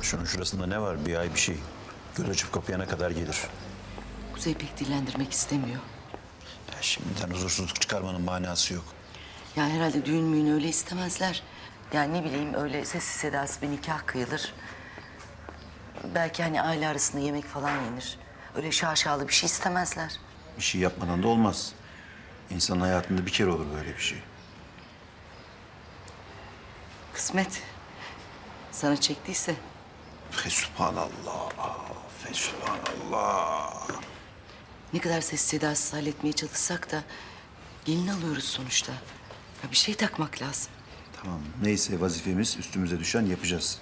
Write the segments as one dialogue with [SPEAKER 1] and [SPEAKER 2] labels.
[SPEAKER 1] Şunun şurasında ne var? Bir ay bir şey. Göl açıp kapayana kadar gelir.
[SPEAKER 2] Kuzey pek dillendirmek istemiyor.
[SPEAKER 1] Ya şimdiden huzursuzluk çıkarmanın manası yok.
[SPEAKER 2] Ya herhalde düğün müğün öyle istemezler. Yani ne bileyim öyle sessiz sedasız bir nikah kıyılır. Belki hani aile arasında yemek falan yenir. Öyle şaşalı bir şey istemezler.
[SPEAKER 1] Bir şey yapmadan da olmaz. İnsanın hayatında bir kere olur böyle bir şey.
[SPEAKER 2] Kısmet. Sana çektiyse.
[SPEAKER 1] Fesubhanallah. Fesubhanallah.
[SPEAKER 2] Ne kadar sessiz sedasız halletmeye çalışsak da gelin alıyoruz sonuçta. Ya bir şey takmak lazım.
[SPEAKER 1] Tamam. Neyse vazifemiz üstümüze düşen yapacağız.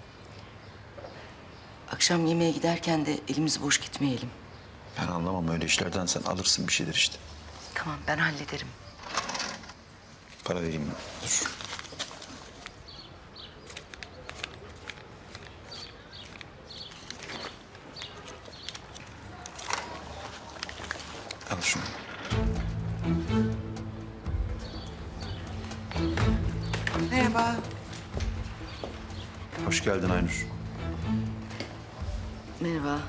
[SPEAKER 2] Akşam yemeğe giderken de elimiz boş gitmeyelim.
[SPEAKER 1] Ben anlamam öyle işlerden. Sen alırsın bir şeyler işte.
[SPEAKER 2] Tamam ben hallederim.
[SPEAKER 1] Para vereyim mi? Dur. Al şunu.
[SPEAKER 3] Merhaba.
[SPEAKER 1] Hoş geldin Aynur.
[SPEAKER 2] Merhaba.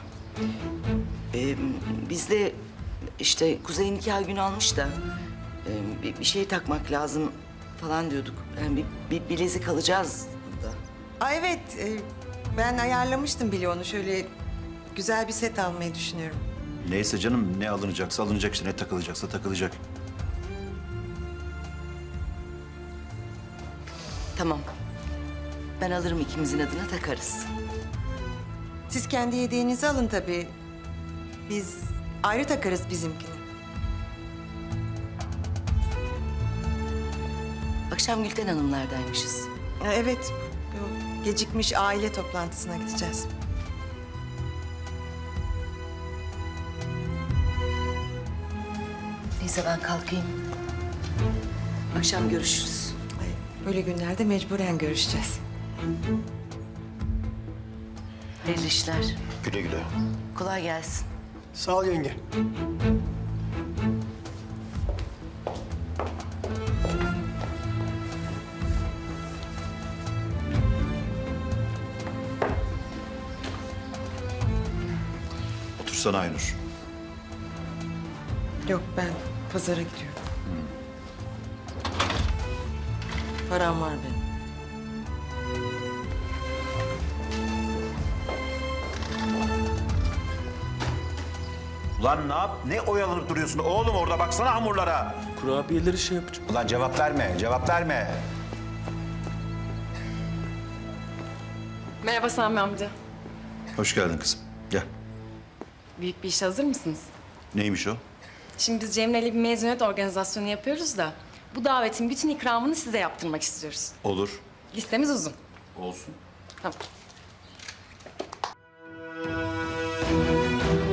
[SPEAKER 2] Biz de işte Kuzey nikah günü almış da bir şey takmak lazım falan diyorduk. Yani bir bilezik alacağız da.
[SPEAKER 3] Aa, evet, ben ayarlamıştım bile onu. Şöyle güzel bir set almayı düşünüyorum.
[SPEAKER 1] Neyse canım ne alınacaksa alınacak işte. Ne takılacaksa takılacak.
[SPEAKER 2] Tamam. Ben alırım ikimizin adına takarız.
[SPEAKER 3] Siz kendi hediyenizi alın tabii. Biz ayrı takarız bizimkini.
[SPEAKER 2] Akşam Gülten Hanımlardaymışız.
[SPEAKER 3] Evet, bu gecikmiş aile toplantısına gideceğiz.
[SPEAKER 2] Neyse ben kalkayım. Akşam görüşürüz.
[SPEAKER 3] Ay, böyle günlerde mecburen görüşeceğiz.
[SPEAKER 2] Hayırlı işler.
[SPEAKER 1] Güle güle.
[SPEAKER 2] Kolay gelsin.
[SPEAKER 4] Sağ ol yenge.
[SPEAKER 1] Otursana Aynur.
[SPEAKER 3] Yok, ben pazara gidiyorum. Param var benim.
[SPEAKER 1] Ulan ne yap? Ne oyalanıp duruyorsun? Oğlum orada baksana hamurlara.
[SPEAKER 4] Kurabiyeleri şey yapacağım.
[SPEAKER 1] Ulan cevap verme, cevap verme.
[SPEAKER 5] Merhaba Sami amca.
[SPEAKER 1] Hoş geldin kızım. Gel.
[SPEAKER 5] Büyük bir işe hazır mısınız?
[SPEAKER 1] Neymiş o?
[SPEAKER 5] Şimdi biz Cemre'yle bir mezuniyet organizasyonu yapıyoruz da... ...bu davetin bütün ikramını size yaptırmak istiyoruz.
[SPEAKER 1] Olur.
[SPEAKER 5] Listemiz uzun.
[SPEAKER 1] Olsun.
[SPEAKER 5] Tamam.